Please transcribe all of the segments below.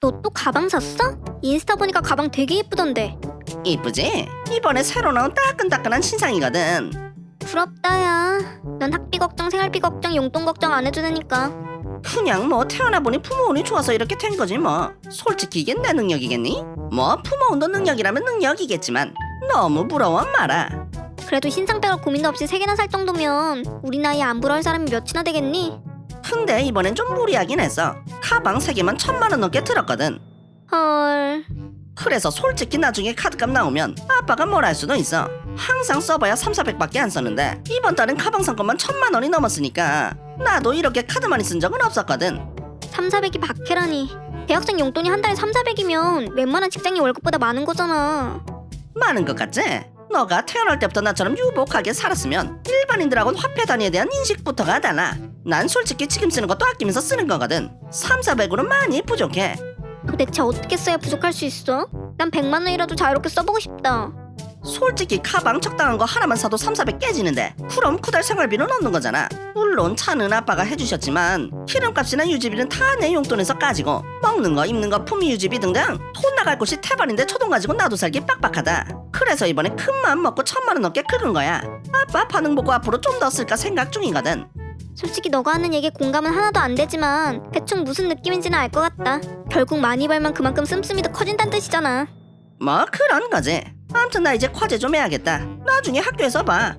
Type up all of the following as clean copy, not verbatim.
너 또 가방 샀어? 인스타 보니까 가방 되게 예쁘던데. 이쁘지? 이번에 새로 나온 따끈따끈한 신상이거든. 부럽다 야. 넌 학비 걱정, 생활비 걱정, 용돈 걱정 안 해주니까. 그냥 뭐 태어나 보니 부모 운이 좋아서 이렇게 된 거지 뭐. 솔직히 이게 내 능력이겠니? 뭐 부모 운도 능력이라면 능력이겠지만 너무 부러워 마라. 그래도 신상 빼갈 고민도 없이 3개나 살 정도면 우리 나이에 안 부러울 사람이 몇이나 되겠니? 근데 이번엔 좀 무리하긴 했어. 가방 3개만 1,000만 원 넘게 들었거든. 헐. 그래서 솔직히 나중에 카드값 나오면 아빠가 뭘 할 수도 있어. 항상 써봐야 3,400밖에 안 썼는데 이번 달은 가방 산 것만 1,000만 원이 넘었으니까 나도 이렇게 카드 많이 쓴 적은 없었거든. 3,400이 박해라니. 대학생 용돈이 한 달에 3,400이면 웬만한 직장인 월급보다 많은 거잖아. 많은 것 같지? 너가 태어날 때부터 나처럼 유복하게 살았으면 일반인들하고는 화폐 단위에 대한 인식부터가 달라. 난 솔직히 지금 쓰는 것도 아끼면서 쓰는 거거든. 3,400으로는 많이 부족해. 도대체 어떻게 써야 부족할 수 있어? 난 100만 원이라도 자유롭게 써보고 싶다. 솔직히 가방 적당한 거 하나만 사도 3,400 깨지는데 그럼 그달 생활비는 얻는 거잖아. 물론 차는 아빠가 해주셨지만 기름값이나 유지비는 다 내 용돈에서 까지고 먹는 거 입는 거 품위 유지비 등등 돈 나갈 곳이 태반인데 초돈 가지고 나도 살기 빡빡하다. 그래서 이번에 큰 마음 먹고 1,000만 원 넘게 긁은 거야. 아빠 반응 보고 앞으로 좀 더 쓸까 생각 중이거든. 솔직히 너가 하는 얘기에 공감은 하나도 안 되지만 대충 무슨 느낌인지는 알 것 같다. 결국 많이 벌면 그만큼 씀씀이 더 커진다는 뜻이잖아. 뭐 그런 거지. 아무튼 나 이제 과제 좀 해야겠다. 나중에 학교에서 봐.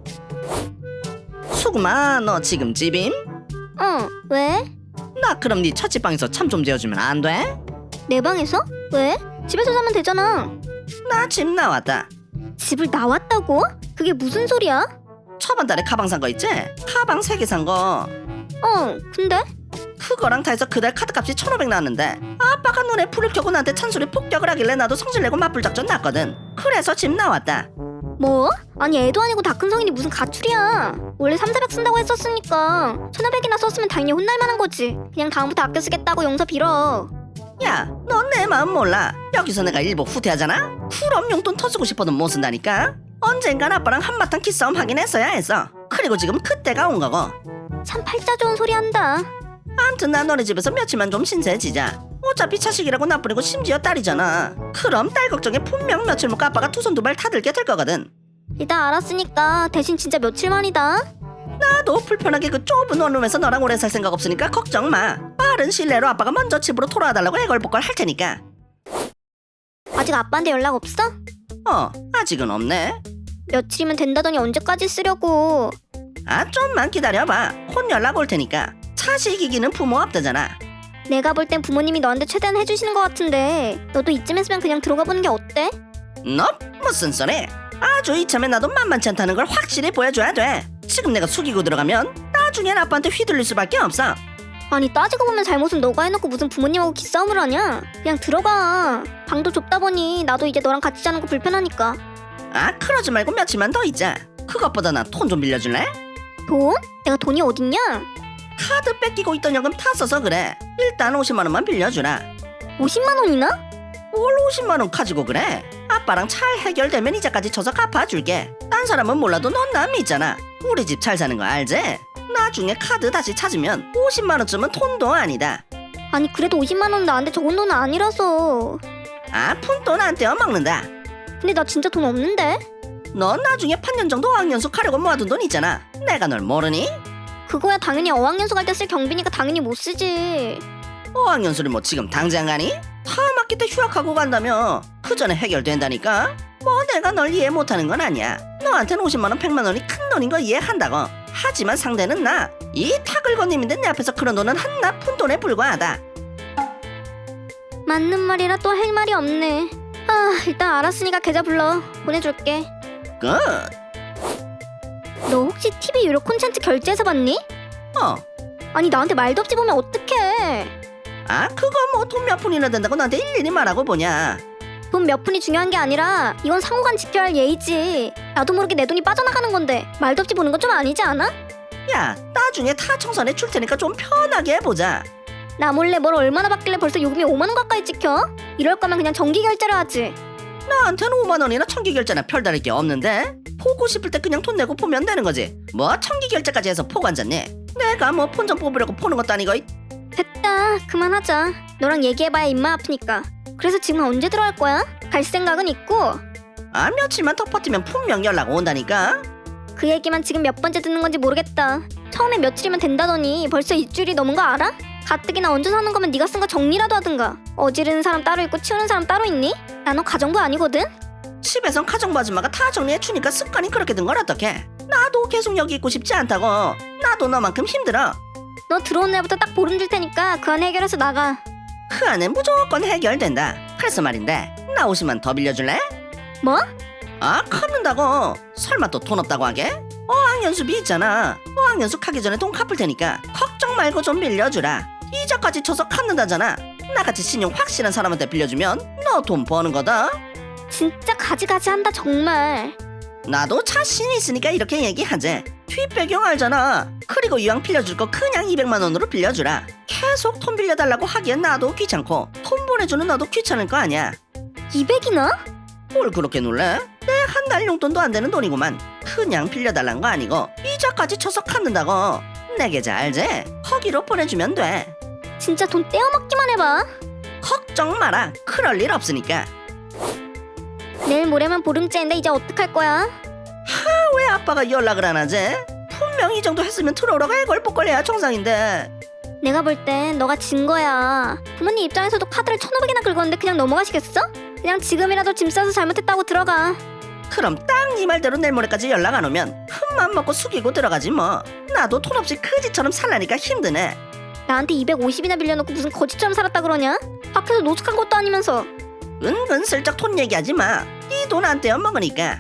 수금아, 너 지금 집임? 왜? 나 그럼 네 처치방에서 참 좀 재워주면 안 돼? 내 방에서? 왜? 집에서 자면 되잖아. 나 집 나왔다. 집을 나왔다고? 그게 무슨 소리야? 저번 달에 가방 산 거 있지? 가방 3개 산 거. 근데? 그거랑 다 해서 그달 카드값이 1,500 나왔는데 아빠가 눈에 불을 켜고 나한테 찬소리 폭격을 하길래 나도 성질내고 맞불 작전 났거든. 그래서 집 나왔다. 뭐? 아니 애도 아니고 다 큰 성인이 무슨 가출이야. 원래 3,400 쓴다고 했었으니까 1,500이나 썼으면 당연히 혼날 만한 거지. 그냥 다음부터 아껴 쓰겠다고 용서 빌어. 야, 넌 내 마음 몰라. 여기서 내가 일부 후퇴하잖아? 그럼 용돈 더 쓰고 싶어도 못 쓴다니까? 언젠간 아빠랑 한바탕 기싸움 하긴 했어야 했어. 그리고 지금 그때가 온 거고. 참 팔자 좋은 소리 한다. 암튼 나 너네 집에서 며칠만 좀 신세지자. 어차피 자식이라고 나뿐이고 심지어 딸이잖아. 그럼 딸 걱정에 분명 며칠 못 가 아빠가 두 손 두 발 타들게 될 거거든. 일단 알았으니까 대신 진짜 며칠만이다. 나도 불편하게 그 좁은 원룸에서 너랑 오래 살 생각 없으니까 걱정 마. 빠른 시일내로 아빠가 먼저 집으로 돌아와달라고 애걸복걸 할 테니까. 아직 아빠한테 연락 없어? 아직은 없네. 며칠이면 된다더니 언제까지 쓰려고. 좀만 기다려봐. 곧 연락 올 테니까. 자식 이기는 부모 없다잖아. 내가 볼 땐 부모님이 너한테 최대한 해주시는 것 같은데 너도 이쯤 했으면 그냥 들어가 보는 게 어때? 너 무슨 소리? 아주 이참에 나도 만만치 않다는 걸 확실히 보여줘야 돼. 지금 내가 숙이고 들어가면 나중엔 아빠한테 휘둘릴 수밖에 없어. 아니 따지고 보면 잘못은 너가 해놓고 무슨 부모님하고 기싸움을 하냐? 그냥 들어가. 방도 좁다 보니 나도 이제 너랑 같이 자는 거 불편하니까. 그러지 말고 며칠만 더 있자. 그것보다 나 돈 좀 빌려줄래? 돈? 내가 돈이 어딨냐? 카드 뺏기고 있던 연금 다 써서 그래. 일단 50만 원만 빌려주라. 50만 원이나? 뭘 50만 원 가지고 그래? 아빠랑 잘 해결되면 이자까지 쳐서 갚아줄게. 딴 사람은 몰라도 넌 나 믿잖아. 우리 집 잘 사는 거 알지? 나중에 카드 다시 찾으면 50만 원쯤은 돈도 아니다. 아니 그래도 50만 원은 나한테 적은 돈은 아니라서. 푼돈 안 떼어 먹는다. 근데 나 진짜 돈 없는데? 넌 나중에 8년 정도 어학연수 가려고 모아둔 돈 있잖아. 내가 널 모르니? 그거야 당연히 어학연수 갈 때 쓸 경비니까 당연히 못 쓰지. 어학연수를 뭐 지금 당장 가니? 다음 학기 때 휴학하고 간다며. 그 전에 해결된다니까? 뭐 내가 널 이해 못하는 건 아니야. 너한테는 50만 원 100만 원이 큰 돈인 거 이해한다고. 하지만 상대는 나. 이 타글건님인데 내 앞에서 그런 돈은 한낱 푼돈에 불과하다. 맞는 말이라 또 할 말이 없네. 일단 알았으니까 계좌 불러. 보내줄게. 끝. 너 혹시 TV 유료 콘텐츠 결제해서 봤니? 아니 나한테 말도 없이 보면 어떡해. 그거 뭐 돈 몇 푼이나 된다고 나한테 일일이 말하고 보냐. 돈 몇 푼이 중요한 게 아니라 이건 상호간 지켜야 할 예의지. 나도 모르게 내 돈이 빠져나가는 건데 말도 없이 보는 건 좀 아니지 않아? 야, 나중에 다 청산해 줄 테니까 좀 편하게 해보자. 나 몰래 뭘 얼마나 받길래 벌써 요금이 5만 원 가까이 찍혀? 이럴 거면 그냥 정기 결제를 하지. 나한테는 5만 원이나 청기 결제나 별다를 게 없는데? 보고 싶을 때 그냥 돈 내고 보면 되는 거지. 뭐 청기 결제까지 해서 포고 앉았니? 내가 뭐 폰 좀 뽑으려고 보는 것도 아니고. 됐다. 그만하자. 너랑 얘기해봐야 입만 아프니까. 그래서 지금 언제 들어갈 거야? 갈 생각은 있고. 아, 며칠만 더 버티면 분명 연락 온다니까. 그 얘기만 지금 몇 번째 듣는 건지 모르겠다. 처음에 며칠이면 된다더니 벌써 일주일이 넘은 거 알아? 가뜩이나 얹어 사는 거면 네가 쓴 거 정리라도 하든가. 어지르는 사람 따로 있고 치우는 사람 따로 있니? 나 너 가정부 아니거든? 집에선 가정부 아줌마가 다 정리해주니까 습관이 그렇게 된 걸 어떡해. 나도 계속 여기 있고 싶지 않다고. 나도 너만큼 힘들어. 너 들어온 날부터 딱 보름 줄 테니까 그 안에 해결해서 나가. 그 안에 무조건 해결된다. 그래서 말인데 나 50만 더 빌려줄래? 뭐? 아, 갚는다고. 설마 또 돈 없다고 하게? 어학연수비 있잖아. 어학연수 가기 전에 돈 갚을 테니까 걱정 말고 좀 빌려주라. 이자까지 쳐서 갚는다잖아. 나같이 신용 확실한 사람한테 빌려주면 너 돈 버는 거다. 진짜 가지가지 한다 정말. 나도 자신 있으니까 이렇게 얘기하지. 뒷배경 알잖아. 그리고 이왕 빌려줄 거 그냥 200만 원으로 빌려주라. 계속 돈 빌려달라고 하기엔 나도 귀찮고 돈 보내주는 너도 귀찮을 거 아니야. 200이나? 뭘 그렇게 놀래? 내 한 달 용돈도 안 되는 돈이구만. 그냥 빌려달란 거 아니고 이자까지 쳐서 갚는다고. 내 계좌 알지? 거기로 보내주면 돼. 진짜 돈 떼어먹기만 해봐. 걱정 마라. 그럴 일 없으니까. 내일 모레면 보름째인데 이제 어떡할 거야? 왜 아빠가 연락을 안 하지? 분명 이 정도 했으면 들어오라고 애걸복걸해야 정상인데. 내가 볼 땐 너가 진 거야. 부모님 입장에서도 카드를 1,500이나 긁었는데 그냥 넘어가시겠어? 그냥 지금이라도 짐 싸서 잘못했다고 들어가. 그럼 딱 네 말대로 내일 모레까지 연락 안 오면 흠만 먹고 숙이고 들어가지 뭐. 나도 돈 없이 그지처럼 살라니까 힘드네. 나한테 250이나 빌려놓고 무슨 거지처럼 살았다 그러냐? 밖에서 노숙한 것도 아니면서. 은근슬쩍 돈 얘기하지 마. 네 돈 안 떼어 먹으니까.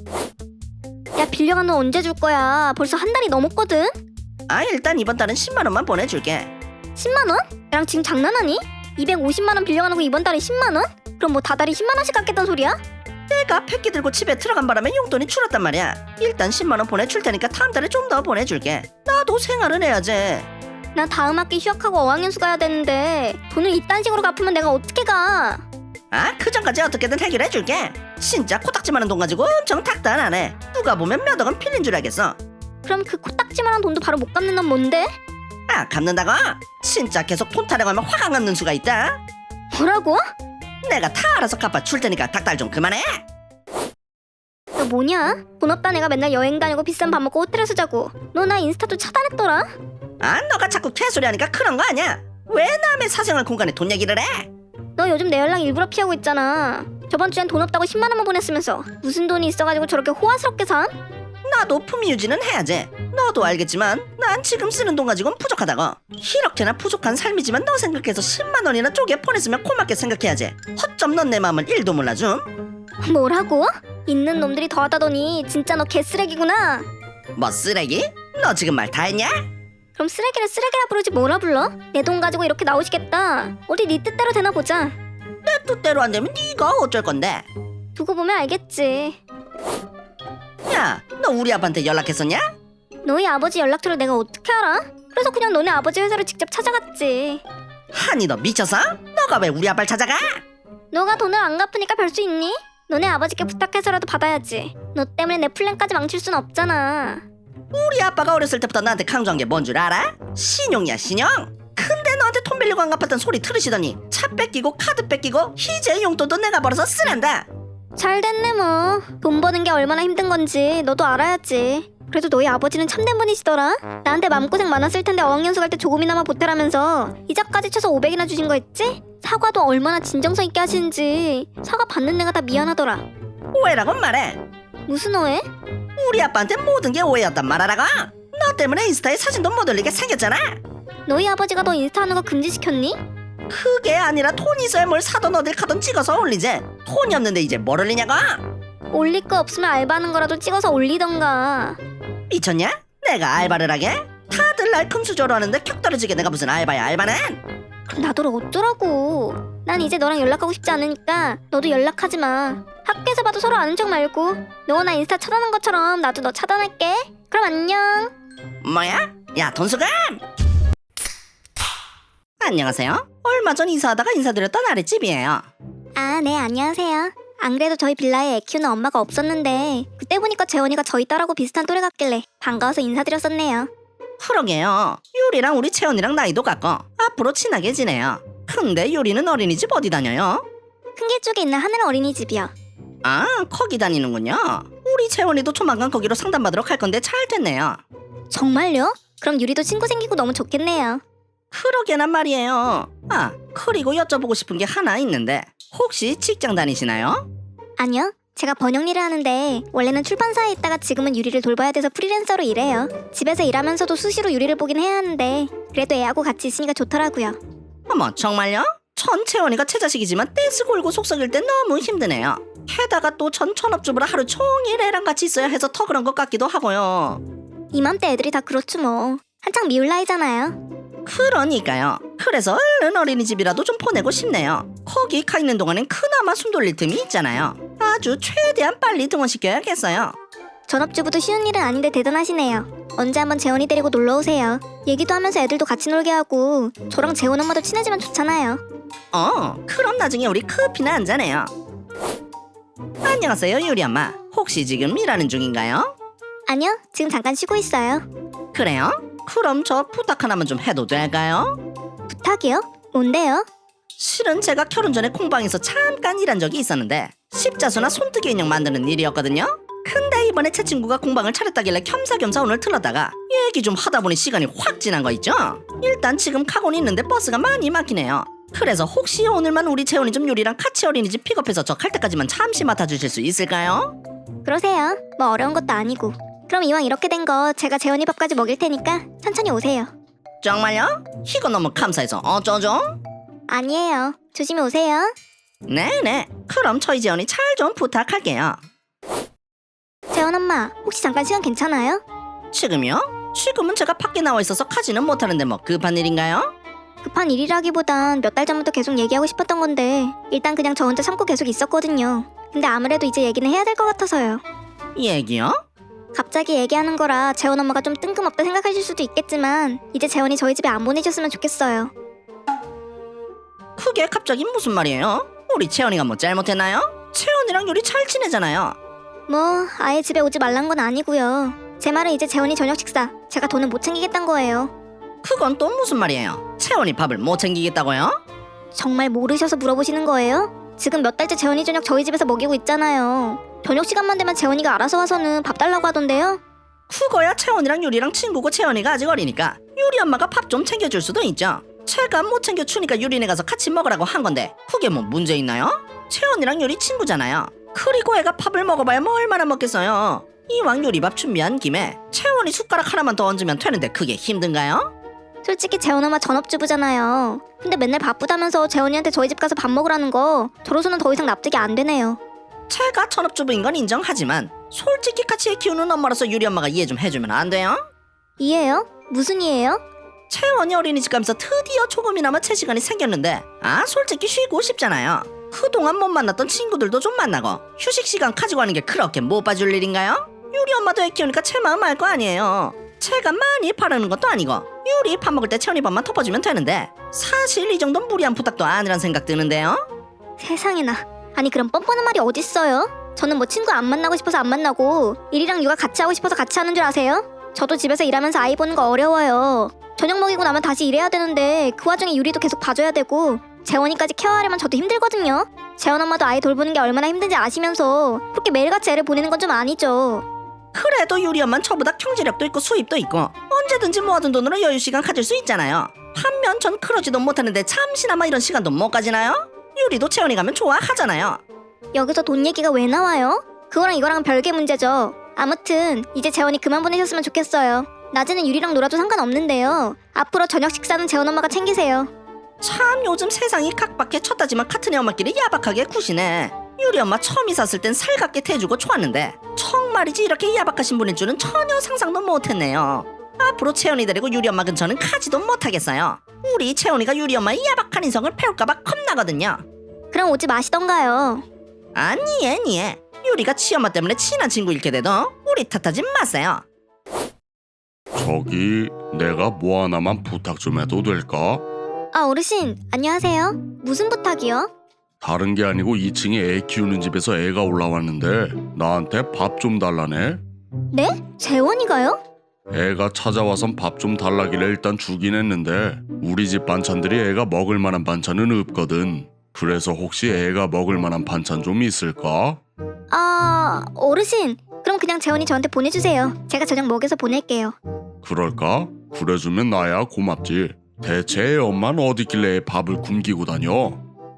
야 빌려간 돈 언제 줄 거야? 벌써 한 달이 넘었거든? 아, 일단 이번 달은 10만 원만 보내줄게. 10만 원? 나랑 지금 장난하니? 250만 원 빌려가놓고 이번 달에 10만 원? 그럼 뭐 다달이 10만 원씩 갚겠다는 소리야? 내가 폐기 들고 집에 들어간 바람에 용돈이 줄었단 말이야. 일단 10만 원 보내줄 테니까 다음 달에 좀 더 보내줄게. 나도 생활은 해야지. 나 다음 학기 휴학하고 어학연수 가야 되는데 돈을 이딴 식으로 갚으면 내가 어떻게 가? 아, 그 전까지 어떻게든 해결해줄게. 진짜 코딱지만한 돈 가지고 엄청 닥달하네. 누가 보면 몇 억은 필린 줄 알겠어. 그럼 그 코딱지만한 돈도 바로 못 갚는 건 뭔데? 아, 갚는다고? 진짜 계속 돈 타령하면 화가 나는 수가 있다. 뭐라고? 내가 다 알아서 갚아줄 테니까 닥달 좀 그만해. 너 뭐냐? 돈 없다 내가 맨날 여행 다니고 비싼 밥 먹고 호텔에서 자고. 너 나 인스타도 차단했더라? 아, 너가 자꾸 개소리 하니까 그런 거 아니야. 왜 남의 사생활 공간에 돈 얘기를 해? 너 요즘 내 연락 일부러 피하고 있잖아. 저번 주엔 돈 없다고 10만 원만 보냈으면서 무슨 돈이 있어가지고 저렇게 호화스럽게 산? 나도 품위 유지는 해야지. 너도 알겠지만 난 지금 쓰는 돈 가지고는 부족하다고. 이렇게나 부족한 삶이지만 너 생각해서 10만 원이나 쪼개 보냈으면 고맙게 생각해야지. 허점 넌 내 마음을 1도 몰라줌. 뭐라고? 있는 놈들이 더하다더니 진짜 너 개쓰레기구나. 뭐 쓰레기? 너 지금 말 다 했냐? 그럼 쓰레기를 쓰레기라 부르지 뭐라 불러? 내 돈 가지고 이렇게 나오시겠다. 어디 네 뜻대로 되나 보자. 내 뜻대로 안 되면 네가 어쩔 건데. 두고 보면 알겠지. 야, 너 우리 아빠한테 연락했었냐? 너희 아버지 연락처를 내가 어떻게 알아? 그래서 그냥 너네 아버지 회사를 직접 찾아갔지. 아니, 너 미쳤어? 너가 왜 우리 아빠를 찾아가? 너가 돈을 안 갚으니까 별 수 있니? 너네 아버지께 부탁해서라도 받아야지. 너 때문에 내 플랜까지 망칠 순 없잖아. 우리 아빠가 어렸을 때부터 나한테 강조한 게 뭔 줄 알아? 신용이야, 신용. 근데 너한테 돈 빌리고 안 갚았던 소리 들으시더니 차 뺏기고 카드 뺏기고 이제 용돈도 내가 벌어서 쓰란다. 잘 됐네 뭐. 돈 버는 게 얼마나 힘든 건지 너도 알아야지. 그래도 너희 아버지는 참된 분이시더라. 나한테 맘고생 많았을 텐데 어학연수 갈 때 조금이나마 보태라면서 이자까지 쳐서 500이나 주신 거 있지? 사과도 얼마나 진정성 있게 하시는지. 사과 받는 내가 다 미안하더라. 오해라고 말해. 무슨 오해? 우리 아빠한테 모든 게 오해였단 말하라고. 너 때문에 인스타에 사진도 못 올리게 생겼잖아. 너희 아버지가 너 인스타 하는 거 금지시켰니? 그게 아니라 돈 있어야 뭘 사던 어딜 가던 찍어서 올리지. 돈이 없는데 이제 뭘 올리냐고. 올릴 거 없으면 알바하는 거라도 찍어서 올리던가. 미쳤냐? 내가 알바를 하게? 다들 날 금수저로 하는데 격 떨어지게 내가 무슨 알바야. 알바는 그럼 나더러 어쩌라고. 난 이제 너랑 연락하고 싶지 않으니까 너도 연락하지 마. 학교에서 봐도 서로 아는 척 말고. 너가 나 인스타 차단한 것처럼 나도 너 차단할게. 그럼 안녕. 뭐야? 야, 돈수감! 안녕하세요. 얼마 전 이사하다가 인사드렸던 아랫집이에요. 아, 네, 안녕하세요. 안 그래도 저희 빌라에 애 키우는 엄마가 없었는데 그때 보니까 재원이가 저희 딸하고 비슷한 또래 같길래 반가워서 인사드렸었네요. 그러게요. 유리랑 우리 채원이랑 나이도 같고 앞으로 친하게 지내요. 근데 유리는 어린이집 어디 다녀요? 큰 길 쪽에 있는 하늘 어린이집이요. 아, 거기 다니는군요. 우리 채원이도 조만간 거기로 상담받으러 갈 건데 잘 됐네요. 정말요? 그럼 유리도 친구 생기고 너무 좋겠네요. 그러게나 말이에요. 아, 그리고 여쭤보고 싶은 게 하나 있는데 혹시 직장 다니시나요? 아니요. 제가 번역 일을 하는데 원래는 출판사에 있다가 지금은 유리를 돌봐야 돼서 프리랜서로 일해요. 집에서 일하면서도 수시로 유리를 보긴 해야 하는데 그래도 애하고 같이 있으니까 좋더라고요. 어머, 정말요? 전 채원이가 채자식이지만 떼쓰고 울고 속썩일 때 너무 힘드네요. 게다가 또 전 전업주부라 하루 종일 애랑 같이 있어야 해서 더 그런 것 같기도 하고요. 이맘때 애들이 다 그렇죠 뭐. 한창 미울 나이잖아요. 그러니까요. 그래서 얼른 어린이집이라도 좀 보내고 싶네요. 거기 가 있는 동안엔 그나마 숨 돌릴 틈이 있잖아요. 아주 최대한 빨리 등원시켜야겠어요. 전업주부도 쉬운 일은 아닌데 대단하시네요. 언제 한번 재원이 데리고 놀러 오세요. 얘기도 하면서 애들도 같이 놀게 하고 저랑 재원 엄마도 친해지면 좋잖아요. 그럼 나중에 우리 커피나 한잔해요. 안녕하세요, 유리 엄마. 혹시 지금 일하는 중인가요? 아니요, 지금 잠깐 쉬고 있어요. 그래요? 그럼 저 부탁 하나만 좀 해도 될까요? 부탁이요? 뭔데요? 실은 제가 결혼 전에 공방에서 잠깐 일한 적이 있었는데 십자수나 손뜨개 인형 만드는 일이었거든요. 근데 이번에 제 친구가 공방을 차렸다길래 겸사겸사 오늘 들렀다가 얘기 좀 하다 보니 시간이 확 지난 거 있죠? 일단 지금 가고는 있는데 버스가 많이 막히네요. 그래서 혹시 오늘만 우리 재원이 좀 유리랑 같이 어린이집 픽업해서 저 갈 때까지만 잠시 맡아주실 수 있을까요? 그러세요. 뭐 어려운 것도 아니고. 그럼 이왕 이렇게 된 거 제가 재원이 밥까지 먹일 테니까 천천히 오세요. 정말요? 이거 너무 감사해서 어쩌죠? 아니에요. 조심히 오세요. 네네. 그럼 저희 재원이 잘 좀 부탁할게요. 재원 엄마, 혹시 잠깐 시간 괜찮아요? 지금요? 지금은 제가 밖에 나와 있어서 가지는 못하는데 뭐 급한 일인가요? 급한 일이라기보단 몇 달 전부터 계속 얘기하고 싶었던 건데 일단 그냥 저 혼자 참고 계속 있었거든요. 근데 아무래도 이제 얘기는 해야 될 것 같아서요. 얘기요? 갑자기 얘기하는 거라 재원 엄마가 좀 뜬금없다 생각하실 수도 있겠지만 이제 재원이 저희 집에 안 보내셨으면 좋겠어요. 그게 갑자기 무슨 말이에요? 우리 채원이가 뭐 잘못했나요? 채원이랑 유리 잘 지내잖아요. 뭐 아예 집에 오지 말란 건 아니고요. 제 말은 이제 재원이 저녁 식사 제가 돈은 못 챙기겠단 거예요. 그건 또 무슨 말이에요? 채원이 밥을 못 챙기겠다고요? 정말 모르셔서 물어보시는 거예요? 지금 몇 달째 재원이 저녁 저희 집에서 먹이고 있잖아요. 저녁 시간만 되면 재원이가 알아서 와서는 밥 달라고 하던데요? 그거야 채원이랑 유리랑 친구고 채원이가 아직 어리니까 유리 엄마가 밥 좀 챙겨줄 수도 있죠. 제가 못 챙겨주니까 유리네 가서 같이 먹으라고 한 건데 그게 뭐 문제 있나요? 채원이랑 유리 친구잖아요. 그리고 애가 밥을 먹어봐야 뭐 얼마나 먹겠어요. 이왕 요리밥 준비한 김에 채원이 숟가락 하나만 더 얹으면 되는데 그게 힘든가요? 솔직히 재원 엄마 전업주부잖아요. 근데 맨날 바쁘다면서 재원이한테 저희 집 가서 밥 먹으라는 거 저로서는 더 이상 납득이 안 되네요. 제가 전업주부인 건 인정하지만 솔직히 같이 애 키우는 엄마로서 유리 엄마가 이해 좀 해주면 안 돼요? 이해요? 무슨 이해요? 채원이 어린이집 가면서 드디어 조금이나마 제 시간이 생겼는데 솔직히 쉬고 싶잖아요. 그동안 못 만났던 친구들도 좀 만나고 휴식 시간 가지고 하는 게 그렇게 못 봐줄 일인가요? 유리 엄마도 애 키우니까 제 마음 알 거 아니에요. 제가 많이 바라는 것도 아니고 유리 밥 먹을 때 채원이 밥만 덮어주면 되는데 사실 이 정도는 무리한 부탁도 아니란 생각 드는데요. 세상에나. 아니 그럼 뻔뻔한 말이 어딨어요? 저는 뭐 친구 안 만나고 싶어서 안 만나고 일이랑 육아 같이 하고 싶어서 같이 하는 줄 아세요? 저도 집에서 일하면서 아이 보는 거 어려워요. 저녁 먹이고 나면 다시 일해야 되는데 그 와중에 유리도 계속 봐줘야 되고 재원이까지 케어하려면 저도 힘들거든요. 재원 엄마도 아이 돌보는 게 얼마나 힘든지 아시면서 그렇게 매일같이 애를 보내는 건 좀 아니죠. 그래도 유리 엄마는 저보다 경제력도 있고 수입도 있고 언제든지 모아둔 돈으로 여유 시간 가질 수 있잖아요. 반면 전 그러지도 못하는데 잠시나마 이런 시간도 못 가지나요? 유리도 채원이 가면 좋아하잖아요. 여기서 돈 얘기가 왜 나와요? 그거랑 이거랑은 별개 문제죠. 아무튼 이제 재원이 그만 보내셨으면 좋겠어요. 낮에는 유리랑 놀아도 상관없는데요. 앞으로 저녁 식사는 재원 엄마가 챙기세요. 참 요즘 세상이 각박해 쳤다지만 같은 애 엄마끼리 야박하게 구시네. 유리 엄마 처음 이사했을 땐 살갑게 대주고 좋았는데 정말이지 이렇게 야박하신 분일 줄은 전혀 상상도 못했네요. 앞으로 채원이 데리고 유리 엄마 근처는 가지도 못하겠어요. 우리 채원이가 유리 엄마의 야박한 인성을 배울까봐 겁나거든요. 그럼 오지 마시던가요. 아니에 유리가 치엄마 때문에 친한 친구일 게돼도 우리 탓하지 마세요. 저기 내가 뭐 하나만 부탁 좀 해도 될까? 아 어르신 안녕하세요. 무슨 부탁이요? 다른 게 아니고 2층에 애 키우는 집에서 애가 올라왔는데 나한테 밥 좀 달라네. 네? 재원이가요? 애가 찾아와선 밥 좀 달라길래 일단 주긴 했는데 우리 집 반찬들이 애가 먹을 만한 반찬은 없거든. 그래서 혹시 애가 먹을 만한 반찬 좀 있을까? 아, 어르신. 그럼 그냥 재원이 저한테 보내주세요. 제가 저녁 먹여서 보낼게요. 그럴까? 그래주면 나야 고맙지. 대체 애 엄마는 어디길래 애 밥을 굶기고 다녀?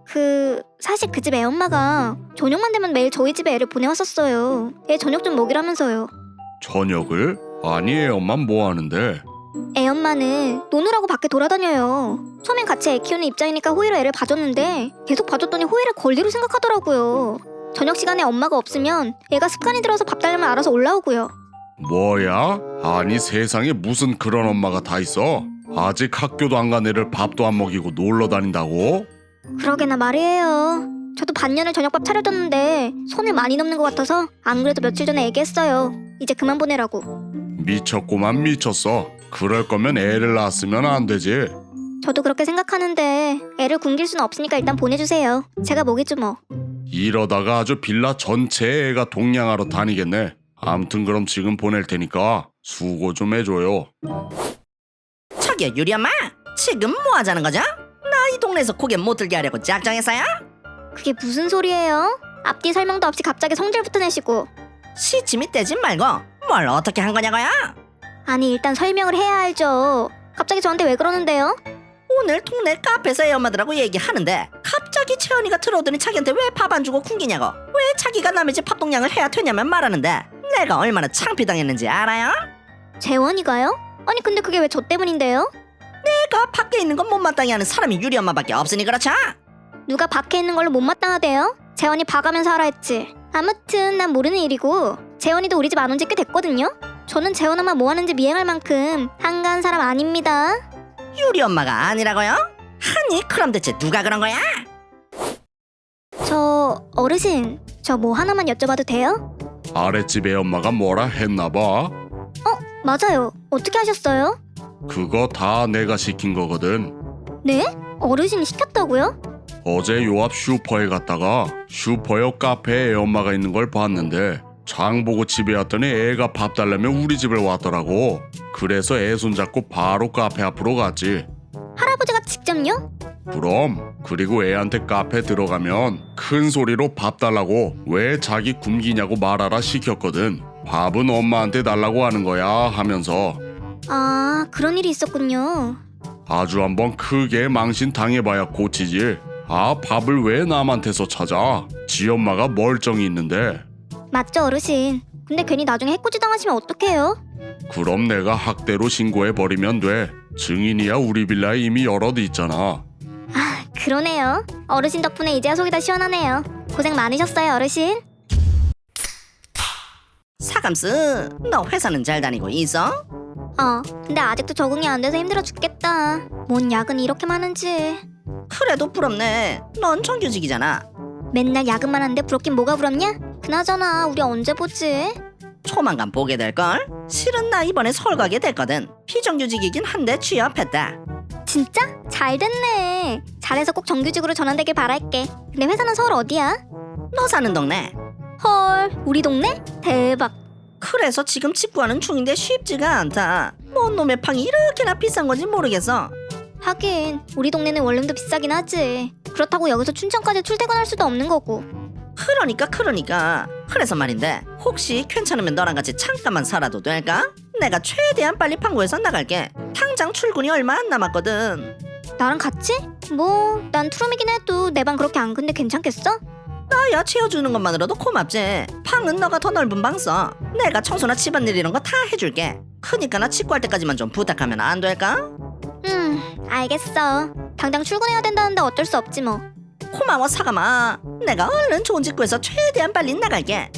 사실 그 집 애엄마가 저녁만 되면 매일 저희 집에 애를 보내왔었어요. 애 저녁 좀 먹이라면서요. 저녁을? 아니 애 엄마 뭐 하는데? 애엄마는 노느라고 밖에 돌아다녀요. 처음엔 같이 애 키우는 입장이니까 호의로 애를 봐줬는데 계속 봐줬더니 호의를 권리로 생각하더라고요. 저녁 시간에 엄마가 없으면 애가 습관이 들어서 밥 달라면 알아서 올라오고요. 뭐야? 아니 세상에 무슨 그런 엄마가 다 있어? 아직 학교도 안 간 애를 밥도 안 먹이고 놀러 다닌다고? 그러게나 말이에요. 저도 반년을 저녁밥 차려줬는데 선을 많이 넘는 것 같아서 안 그래도 며칠 전에 얘기했어요. 이제 그만 보내라고. 미쳤구만 미쳤어. 그럴 거면 애를 낳았으면 안 되지. 저도 그렇게 생각하는데 애를 굶길 수는 없으니까 일단 보내주세요. 제가 먹이죠 뭐. 이러다가 아주 빌라 전체에 애가 동냥하러 다니겠네. 암튼 그럼 지금 보낼 테니까 수고 좀 해줘요. 저기요 유리 엄마, 지금 뭐 하자는 거죠? 나 이 동네에서 고개 못 들게 하려고 작정했어요? 그게 무슨 소리예요? 앞뒤 설명도 없이 갑자기 성질부터 내시고. 시침이 떼지 말고 뭘 어떻게 한 거냐고요? 아니 일단 설명을 해야 알죠. 갑자기 저한테 왜 그러는데요? 오늘 동네 카페에서 애 엄마들하고 얘기하는데 갑자기 채연이가 들어오더니 자기한테 왜 밥 안 주고 굶기냐고, 왜 자기가 남의 집 밥동량을 해야 되냐면 말하는데 내가 얼마나 창피당했는지 알아요? 재원이가요? 아니 근데 그게 왜 저 때문인데요? 내가 밖에 있는 건 못마땅해 하는 사람이 유리 엄마밖에 없으니 그렇죠? 누가 밖에 있는 걸로 못마땅하대요? 재원이 봐가면서 하라 했지. 아무튼 난 모르는 일이고 재원이도 우리 집 안 온 지 꽤 됐거든요? 저는 재원 엄마 뭐 하는지 미행할 만큼 한가한 사람 아닙니다. 유리 엄마가 아니라고요? 아니 그럼 대체 누가 그런 거야? 저 어르신 저 뭐 하나만 여쭤봐도 돼요? 아랫집 애 엄마가 뭐라 했나봐. 맞아요. 어떻게 하셨어요? 그거 다 내가 시킨 거거든. 네? 어르신이 시켰다고요? 어제 요 앞 슈퍼에 갔다가 슈퍼 옆 카페에 애 엄마가 있는 걸 봤는데 장 보고 집에 왔더니 애가 밥 달라며 우리 집을 왔더라고. 그래서 애 손잡고 바로 카페 앞으로 갔지. 할아버지가 직접요? 그럼 그리고 애한테 카페 들어가면 큰 소리로 밥 달라고 왜 자기 굶기냐고 말하라 시켰거든. 밥은 엄마한테 달라고 하는 거야 하면서. 아 그런 일이 있었군요. 아주 한번 크게 망신 당해봐야 고치지. 아 밥을 왜 남한테서 찾아? 지 엄마가 멀쩡히 있는데. 맞죠 어르신. 근데 괜히 나중에 해코지 당하시면 어떡해요? 그럼 내가 학대로 신고해버리면 돼. 증인이야 우리 빌라에 이미 여럿 있잖아. 아 그러네요. 어르신 덕분에 이제야 속이 다 시원하네요. 고생 많으셨어요 어르신. 사감스, 너 회사는 잘 다니고 있어? 근데 아직도 적응이 안 돼서 힘들어 죽겠다. 뭔 야근이 이렇게 많은지. 그래도 부럽네. 넌 정규직이잖아. 맨날 야근만 하는데 부럽긴 뭐가 부럽냐? 그나저나 우리 언제 보지? 조만간 보게 될걸? 실은 나 이번에 서울 가게 됐거든. 비정규직이긴 한데 취업했다. 진짜? 잘 됐네. 잘해서 꼭 정규직으로 전환되길 바랄게. 근데 회사는 서울 어디야? 너 사는 동네. 헐 우리 동네? 대박. 그래서 지금 집 구하는 중인데 쉽지가 않다. 뭔 놈의 팡이 이렇게나 비싼 건지 모르겠어. 하긴 우리 동네는 원룸도 비싸긴 하지. 그렇다고 여기서 춘천까지 출퇴근할 수도 없는 거고. 그러니까 그래서 말인데 혹시 괜찮으면 너랑 같이 잠깐만 살아도 될까? 내가 최대한 빨리 판고해서 나갈게. 당장 출근이 얼마 안 남았거든. 나랑 같이? 뭐 난 투룸이긴 해도 내 방 그렇게 안 큰데 괜찮겠어? 나야 채워주는 것만으로도 고맙지. 방은 너가 더 넓은 방 써. 내가 청소나 집안일 이런 거 다 해줄게. 크니까 나 집 구할 때까지만 좀 부탁하면 안 될까? 알겠어. 당장 출근해야 된다는데 어쩔 수 없지 뭐. 고마워 사감아. 내가 얼른 좋은 집 구해서 최대한 빨리 나갈게.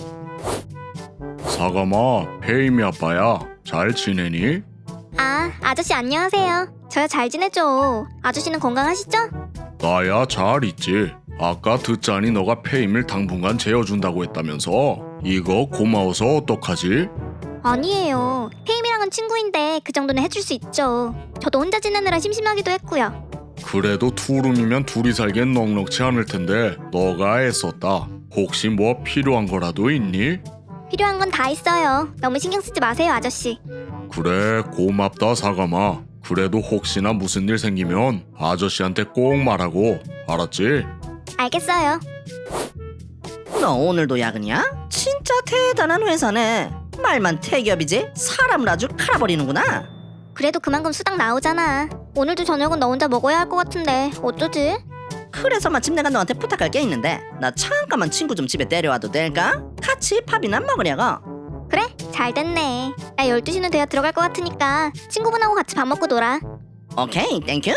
사감아, 페이미 아빠야. 잘 지내니? 아 아저씨 안녕하세요. 저야 잘 지내죠. 아저씨는 건강하시죠? 나야 잘 있지. 아까 듣자니 너가 페임을 당분간 재워준다고 했다면서. 이거 고마워서 어떡하지? 아니에요. 혜임이랑은 친구인데 그 정도는 해줄 수 있죠. 저도 혼자 지내느라 심심하기도 했고요. 그래도 투룸이면 둘이 살기엔 넉넉치 않을 텐데 너가 애썼다. 혹시 뭐 필요한 거라도 있니? 필요한 건 다 있어요. 너무 신경 쓰지 마세요 아저씨. 그래, 고맙다 사과마. 그래도 혹시나 무슨 일 생기면 아저씨한테 꼭 말하고, 알았지? 알겠어요. 너 오늘도 야근이야? 진짜 대단한 회사네. 말만 태기업이지 사람을 아주 갈아버리는구나. 그래도 그만큼 수당 나오잖아. 오늘도 저녁은 너 혼자 먹어야 할 것 같은데 어쩌지? 그래서 마침 내가 너한테 부탁할 게 있는데 나 잠깐만 친구 좀 집에 데려와도 될까? 같이 밥이나 먹으려고. 그래, 잘 됐네. 나 12시는 돼야 들어갈 것 같으니까 친구분하고 같이 밥 먹고 놀아. 오케이 땡큐.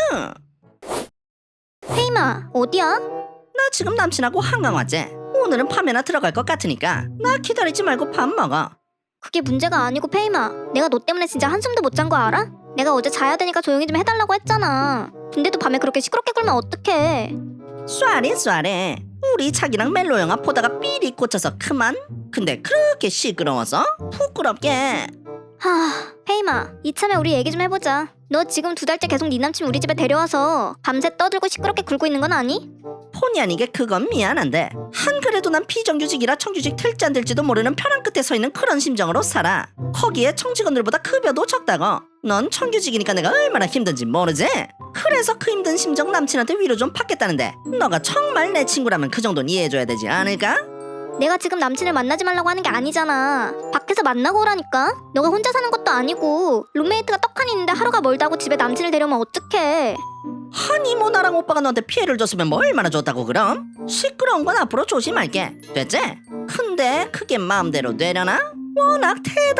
페이마, 어디야? 나 지금 남친하고 한강 왔지. 오늘은 밤에나 들어갈 것 같으니까 나 기다리지 말고 밥 먹어. 그게 문제가 아니고 페이마, 내가 너 때문에 진짜 한숨도 못 잔 거 알아? 내가 어제 자야 되니까 조용히 좀 해달라고 했잖아. 근데도 밤에 그렇게 시끄럽게 굴면 어떡해. 쏘리 우리 자기랑 멜로 영화 보다가 삐리 꽂혀서 그만. 근데 그렇게 시끄러워서 부끄럽게. 페이마, 이참에 우리 얘기 좀 해보자. 너 지금 2달째 계속 네 남친 우리 집에 데려와서 밤새 떠들고 시끄럽게 굴고 있는 건 아니? 본의 아니게 그건 미안한데 한 그래도 난 비정규직이라 청규직 될지 안 될지도 모르는 벼랑 끝에 서 있는 그런 심정으로 살아. 거기에 청직원들보다 급여도 적다고. 넌 청규직이니까 내가 얼마나 힘든지 모르지? 그래서 그 힘든 심정 남친한테 위로 좀 받겠다는데 너가 정말 내 친구라면 그 정도는 이해해줘야 되지 않을까? 내가 지금 남친을 만나지 말라고 하는 게 아니잖아. 밖에서 만나고 오라니까. 너가 혼자 사는 것도 아니고 룸메이트가 떡하니 있는데 하루가 멀다고 집에 남친을 데려오면 어떡해. 아니 뭐 나랑 오빠가 너한테 피해를 줬으면 뭐 얼마나 좋다고 그럼? 시끄러운 건 앞으로 조심할게. 됐지? 근데 그게 마음대로 되려나? 워낙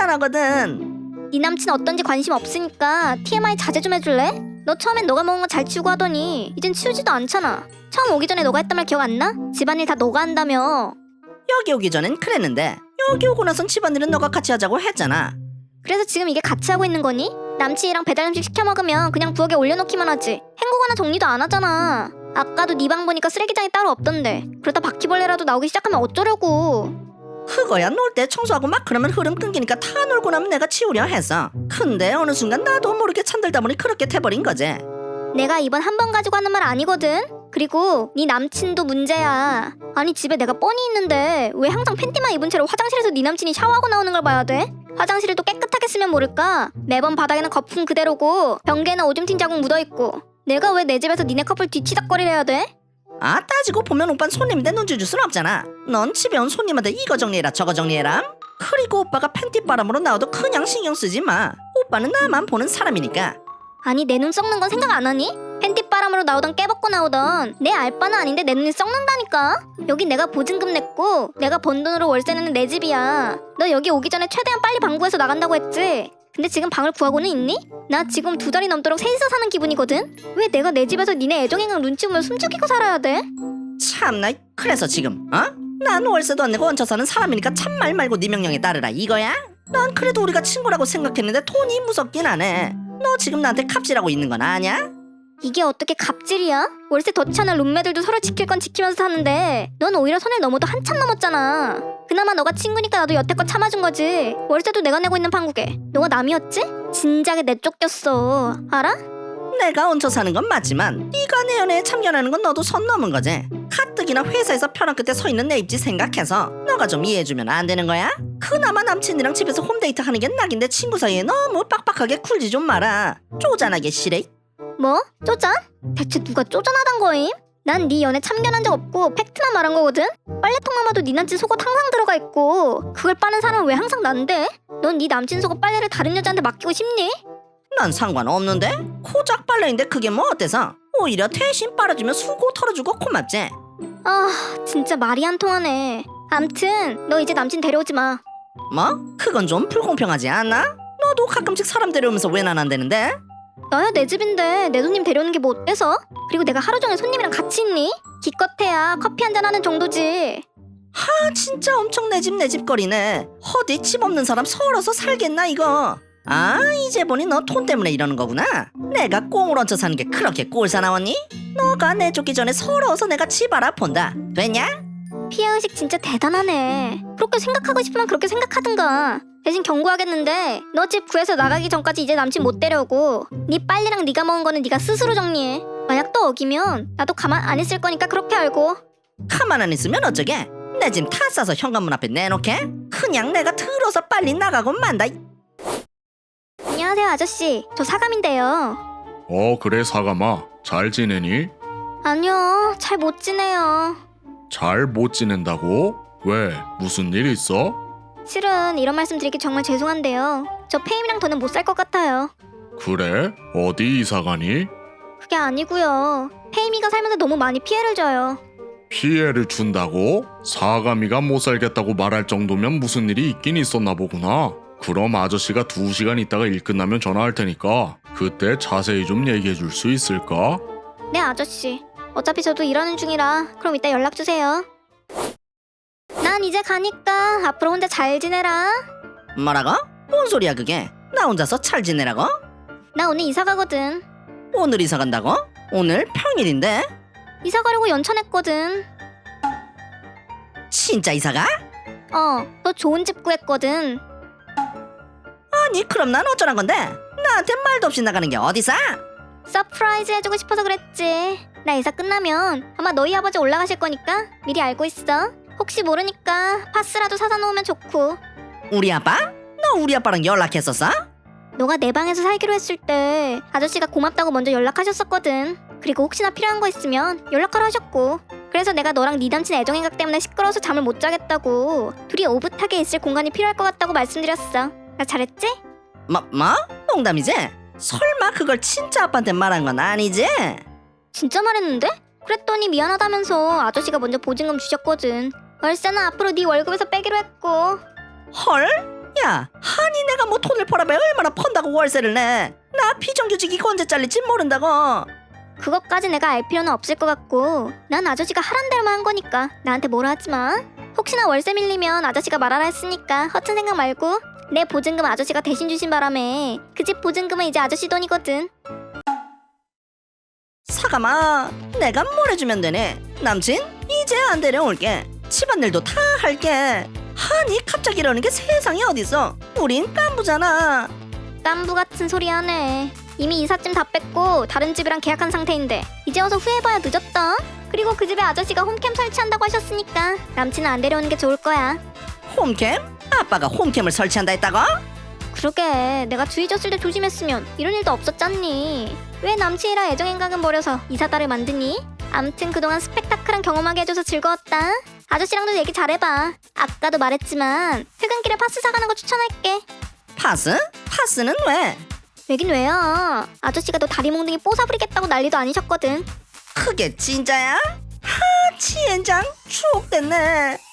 대단하거든. 네 남친 어떤지 관심 없으니까 TMI 자제 좀 해줄래? 너 처음엔 너가 먹은 거 잘 치우고 하더니 이젠 치우지도 않잖아. 처음 오기 전에 너가 했단 말 기억 안 나? 집안일 다 너가 한다며. 여기 오기 전엔 그랬는데 여기 오고 나선 집안일은 너가 같이 하자고 했잖아. 그래서 지금 이게 같이 하고 있는 거니? 남친이랑 배달 음식 시켜 먹으면 그냥 부엌에 올려놓기만 하지 헹구거나 정리도 안 하잖아. 아까도 네 방 보니까 쓰레기장이 따로 없던데. 그러다 바퀴벌레라도 나오기 시작하면 어쩌려고. 그거야 놀 때 청소하고 막 그러면 흐름 끊기니까 다 놀고 나면 내가 치우려 했어. 근데 어느 순간 나도 모르게 찬들다 보니 그렇게 돼버린 거지. 내가 이번 한 번 가지고 하는 말 아니거든. 그리고 네 남친도 문제야. 아니 집에 내가 뻔히 있는데 왜 항상 팬티만 입은 채로 화장실에서 네 남친이 샤워하고 나오는 걸 봐야 돼? 화장실을 또 깨끗하게 쓰면 모를까? 매번 바닥에는 거품 그대로고 변기에는 오줌 튄 자국 묻어있고. 내가 왜 내 집에서 니네 커플 뒤치다거리래야 돼? 아 따지고 보면 오빤 손님인데 눈치 줄 순 없잖아. 넌 집에 온 손님한테 이거 정리해라 저거 정리해라. 그리고 오빠가 팬티바람으로 나와도 그냥 신경 쓰지 마. 오빠는 나만 보는 사람이니까. 아니 내 눈 썩는 건 생각 안 하니? 팬티바람으로 나오던 깨벗고 나오던 내 알바는 아닌데 내 눈이 썩는다니까? 여기 내가 보증금 냈고 내가 번 돈으로 월세 내는 내 집이야. 너 여기 오기 전에 최대한 빨리 방 구해서 나간다고 했지? 근데 지금 방을 구하고는 있니? 나 지금 2달이 넘도록 셋이서 사는 기분이거든? 왜 내가 내 집에서 니네 애정행각 눈치 보며 숨죽이고 살아야 돼? 참나 그래서 지금 난 월세도 안 내고 얹혀 사는 사람이니까 참말 말고 네 명령에 따르라 이거야? 난 그래도 우리가 친구라고 생각했는데 돈이 무섭긴 하네. 너 지금 나한테 갑질하고 있는 건 아냐? 이게 어떻게 갑질이야? 월세 더 치는 룸메들도 서로 지킬 건 지키면서 사는데 넌 오히려 선을 넘어도 한참 넘었잖아. 그나마 너가 친구니까 나도 여태껏 참아준 거지. 월세도 내가 내고 있는 판국에 너가 남이었지? 진작에 내쫓겼어. 알아? 내가 얹혀 사는 건 맞지만 네가 내 연애에 참견하는 건 너도 선 넘은 거지. 가뜩이나 회사에서 벼랑 끝에 서 있는 내 입지 생각해서 너가 좀 이해해주면 안 되는 거야? 그나마 남친이랑 집에서 홈데이트 하는 게 낙인데 친구 사이에 너무 빡빡하게 굴지 좀 마라. 쪼잔하게 시래. 뭐? 쪼잔? 대체 누가 쪼잔하단 거임? 난 네 연애 참견한 적 없고 팩트만 말한 거거든? 빨래통만 봐도 네 남친 속옷 항상 들어가 있고 그걸 빠는 사람은 왜 항상 난데? 넌 네 남친 속옷 빨래를 다른 여자한테 맡기고 싶니? 난 상관없는데? 고작 빨래인데 그게 뭐 어때서? 오히려 대신 빨아주면 수고 털어주고 고맙지. 아 진짜 말이 안 통하네. 암튼 너 이제 남친 데려오지 마. 뭐? 그건 좀 불공평하지 않나? 너도 가끔씩 사람 데려오면서 왜 난 안 되는데? 나야 내 집인데 내 손님 데려오는 게 뭐 어때서? 그리고 내가 하루 종일 손님이랑 같이 있니? 기껏해야 커피 한잔 하는 정도지. 아 진짜 엄청 내 집 거리네. 어디 집 없는 사람 서울어서 살겠나 이거. 아 이제 보니 너 돈 때문에 이러는 거구나. 내가 꽁을 얹혀 사는 게 그렇게 꼴사 나왔니? 너가 내쫓기 전에 서러워서 내가 집 알아본다. 됐냐? 피해의식 진짜 대단하네. 그렇게 생각하고 싶으면 그렇게 생각하든가. 대신 경고하겠는데 너 집 구해서 나가기 전까지 이제 남친 못 데려오고 네 빨래랑 네가 먹은 거는 네가 스스로 정리해. 만약 또 어기면 나도 가만 안 있을 거니까 그렇게 알고. 가만 안 있으면 어쩌게? 내 짐 다 싸서 현관문 앞에 내놓게? 그냥 내가 들어서 빨리 나가고 만다. 안녕하세요 아저씨. 저 사감인데요. 그래 사감아. 잘 지내니? 아니요, 잘 못 지내요. 잘 못 지낸다고? 왜? 무슨 일 있어? 실은 이런 말씀 드리기 정말 죄송한데요. 저 페임이랑 더는 못 살 것 같아요. 그래? 어디 이사 가니? 그게 아니고요. 페임이가 살면서 너무 많이 피해를 줘요. 피해를 준다고? 사감이가 못 살겠다고 말할 정도면 무슨 일이 있긴 있었나 보구나. 그럼 아저씨가 2시간 있다가 일 끝나면 전화할 테니까 그때 자세히 좀 얘기해 줄 수 있을까? 네 아저씨. 어차피 저도 일하는 중이라 그럼 이따 연락 주세요. 난 이제 가니까 앞으로 혼자 잘 지내라. 뭐라고? 뭔 소리야 그게? 나 혼자서 잘 지내라고? 나 오늘 이사 가거든. 오늘 이사 간다고? 오늘 평일인데? 이사 가려고 연차냈거든. 진짜 이사 가? 너 좋은 집 구했거든. 아니 그럼 난 어쩌란 건데? 나한테 말도 없이 나가는 게 어디서? 서프라이즈 해주고 싶어서 그랬지. 나 이사 끝나면 아마 너희 아버지 올라가실 거니까 미리 알고 있어. 혹시 모르니까 파스라도 사다 놓으면 좋고. 우리 아빠? 너 우리 아빠랑 연락했었어? 너가 내 방에서 살기로 했을 때 아저씨가 고맙다고 먼저 연락하셨었거든. 그리고 혹시나 필요한 거 있으면 연락하라 하셨고. 그래서 내가 너랑 네 남친 애정행각 때문에 시끄러워서 잠을 못 자겠다고, 둘이 오붓하게 있을 공간이 필요할 것 같다고 말씀드렸어. 나 잘했지? 뭐? 농담이지? 설마 그걸 진짜 아빠한테 말한 건 아니지? 진짜 말했는데? 그랬더니 미안하다면서 아저씨가 먼저 보증금 주셨거든. 월세는 앞으로 네 월급에서 빼기로 했고. 헐? 야, 아니 내가 뭐 돈을 벌어봐야 얼마나 펀다고 월세를 내? 나 비정규직이고 언제 잘릴지 모른다고. 그것까지 내가 알 필요는 없을 것 같고, 난 아저씨가 하란 대로만 한 거니까 나한테 뭐라 하지 마. 혹시나 월세 밀리면 아저씨가 말하라 했으니까 허튼 생각 말고. 내 보증금 아저씨가 대신 주신 바람에 그 집 보증금은 이제 아저씨 돈이거든. 사감아, 내가 뭘 해주면 되네. 남친? 이제 안 데려올게. 집안일도 다 할게. 아니 갑자기 이러는 게 세상에 어딨어. 우린 깐부잖아. 깐부 같은 소리 하네. 이미 이삿짐 다 뺐고 다른 집이랑 계약한 상태인데 이제 와서 후회해봐야 늦었다. 그리고 그 집에 아저씨가 홈캠 설치한다고 하셨으니까 남친은 안 데려오는 게 좋을 거야. 홈캠? 아빠가 홈캠을 설치한다 했다고? 그러게, 내가 주의 줬을 때 조심했으면 이런 일도 없었잖니. 왜 남친이랑 애정행각은 버려서 이사다를 만드니? 암튼 그동안 스펙타클한 경험하게 해줘서 즐거웠다. 아저씨랑도 얘기 잘해봐. 아까도 말했지만 퇴근길에 파스 사가는 거 추천할게. 파스? 파스는 왜? 왜긴 왜요. 아저씨가 너 다리 몽둥이 뽀사부리겠다고 난리도 아니셨거든. 그게 진짜야? 하, 지엔장 추억됐네.